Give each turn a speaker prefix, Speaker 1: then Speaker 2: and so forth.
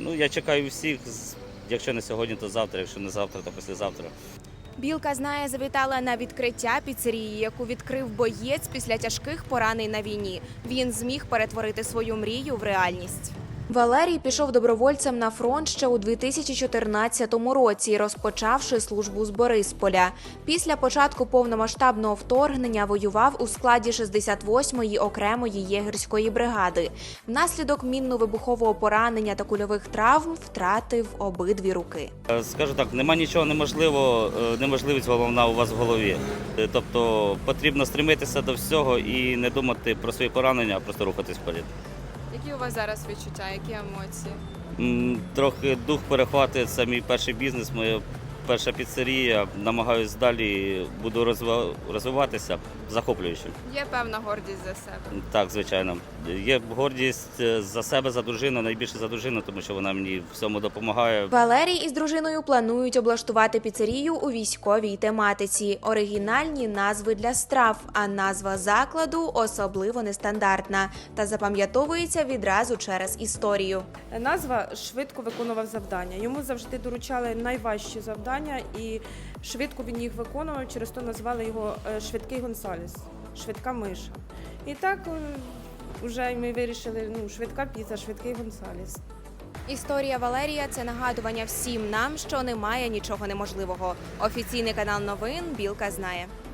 Speaker 1: Ну, я чекаю всіх, якщо не сьогодні, то завтра, якщо не завтра, то післязавтра.
Speaker 2: Білка знає завітала на відкриття піцерії, яку відкрив боєць після тяжких поранень на війні. Він зміг перетворити свою мрію в реальність. Валерій пішов добровольцем на фронт ще у 2014 році, розпочавши службу з Борисполя. Після початку повномасштабного вторгнення воював у складі 68-ї окремої єгерської бригади. Внаслідок мінно-вибухового поранення та кульових травм втратив обидві руки.
Speaker 1: Скажу так, нема нічого неможливого, неможливість головна у вас в голові. Тобто потрібно стремитися до всього і не думати про свої поранення, а просто рухатись вперед.
Speaker 3: Які у вас зараз відчуття, які емоції?
Speaker 1: Трохи дух перехватує, це мій перший бізнес, моя перша піцерія. Намагаюсь далі, буду розвиватися, захоплюючи.
Speaker 3: Є певна гордість за себе?
Speaker 1: Так, звичайно. Є гордість за себе, за дружину, найбільше за дружину, тому що вона мені в всьому допомагає.
Speaker 2: Валерій із дружиною планують облаштувати піцерію у військовій тематиці. Оригінальні назви для страв, а назва закладу особливо нестандартна та запам'ятовується відразу через історію.
Speaker 4: Назва швидко виконував завдання. Йому завжди доручали найважчі завдання, і швидко він їх виконував, через то назвали його «Швидкий Гонсалес», «Швидка миша». І так вже ми вирішили, швидка піца, «Швидкий Гонсалес».
Speaker 2: Історія Валерія – це нагадування всім нам, що немає нічого неможливого. Офіційний канал новин «Білка знає».